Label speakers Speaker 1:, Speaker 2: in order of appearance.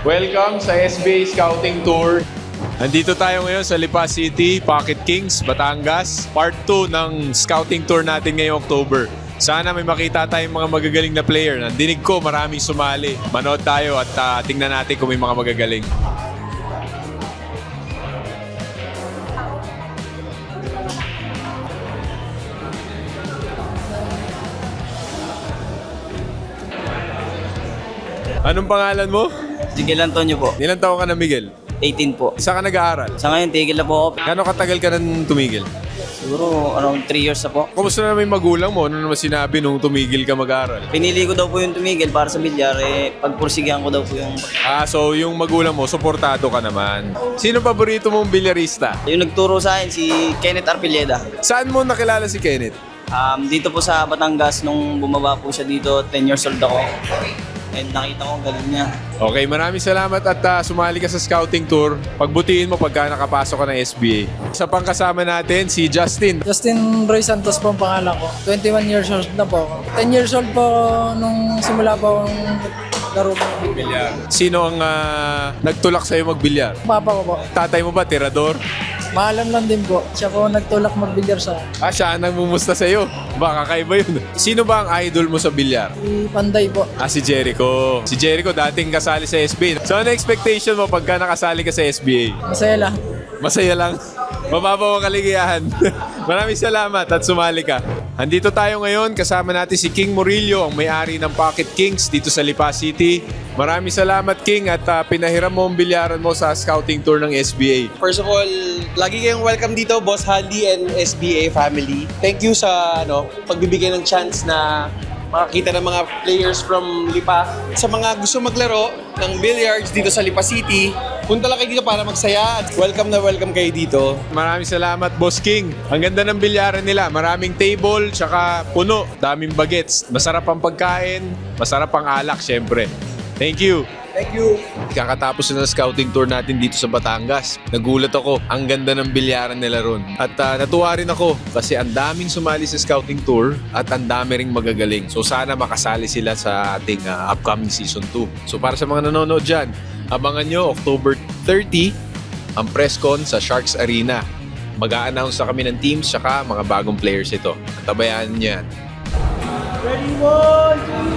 Speaker 1: Welcome sa SBA Scouting Tour. Nandito tayo ngayon sa Lipa City, Pocket Kings, Batangas. Part 2 ng Scouting Tour natin ngayong October. Sana may makita tayong mga magagaling na player. Nandinig ko maraming sumali. Manood tayo at tingnan natin kung may mga magagaling. Anong pangalan mo?
Speaker 2: Miguel Antonio po.
Speaker 1: Ilang taon ka na, Miguel?
Speaker 2: 18 po.
Speaker 1: Saan ka nag-aaral?
Speaker 2: Sa ngayon, tigil na po ako.
Speaker 1: Gano'ng katagal ka nang tumigil?
Speaker 2: Siguro around 3 years na po.
Speaker 1: Kumusta na may magulang mo? Ano naman sinabi nung tumigil ka mag-aaral?
Speaker 2: Pinili ko daw po yung tumigil para sa bilyar. Pagpursigihan ko daw po yung...
Speaker 1: So yung magulang mo, suportado ka naman. Sino paborito mong bilyarista?
Speaker 2: Yung nagturo sa akin, si Kenneth Arpilleda.
Speaker 1: Saan mo nakilala si Kenneth?
Speaker 2: Dito po sa Batangas, nung bumaba po siya dito, 10 years old ako. And nakita ko ang galing niya.
Speaker 1: Okay, maraming salamat at sumali ka sa scouting tour. Pagbutiin mo pagka nakapasok ka ng SBA. Sa pangkasama natin, si Justin.
Speaker 3: Justin Roy Santos po ang pangalan ko. 21 years old na po ako. 10 years old po ako nung simula po ang laro ng
Speaker 1: Bilyar. Sino ang nagtulak sa'yo magbilyar?
Speaker 3: papa ko po.
Speaker 1: Tatay mo ba, tirador?
Speaker 3: Maalam lang din po. Siya po nagtulak magbilyar sa
Speaker 1: Siya ang nangmumusta sa'yo. Baka kakaiba yun. Sino ba ang idol mo sa bilyar?
Speaker 3: si Panday po.
Speaker 1: Si Jericho. Si Jericho dating kasali sa SBA. So ano expectation mo pagka nakasali ka sa SBA?
Speaker 3: Masaya lang.
Speaker 1: Masaya lang. Mababaw ang kaligayahan. Maraming salamat at sumali ka. Andito tayo ngayon, kasama natin si King Murillo, ang may-ari ng Pocket Kings dito sa Lipa City. Maraming salamat, King, at pinahiram mo ang bilyaran mo sa scouting tour ng SBA.
Speaker 4: First of all, lagi kayong welcome dito, Boss Handy and SBA family. Thank you sa pagbibigay ng chance na makakita ng mga players from Lipa. Sa mga gusto maglaro ng billiards dito sa Lipa City, punta lang kayo dito para magsaya at welcome na welcome kayo dito.
Speaker 1: Maraming salamat, Boss King. Ang ganda ng bilyaran nila. Maraming table, tsaka puno. Daming bagets. Masarap ang pagkain, masarap ang alak, syempre. Thank you.
Speaker 4: Thank you.
Speaker 1: Kakatapos na ng scouting tour natin dito sa Batangas. Nagulat ako, ang ganda ng bilyaran nila ron. At natuwa rin ako kasi ang daming sumali sa scouting tour at ang dami ring magagaling. So sana makasali sila sa ating upcoming season 2. So para sa mga nanonood dyan, abangan nyo October 30 ang press con sa Sharks Arena. Mag-a-announce na kami ng teams saka mga bagong players ito. At tabayaan nyo yan.
Speaker 4: Ready, 1, 2,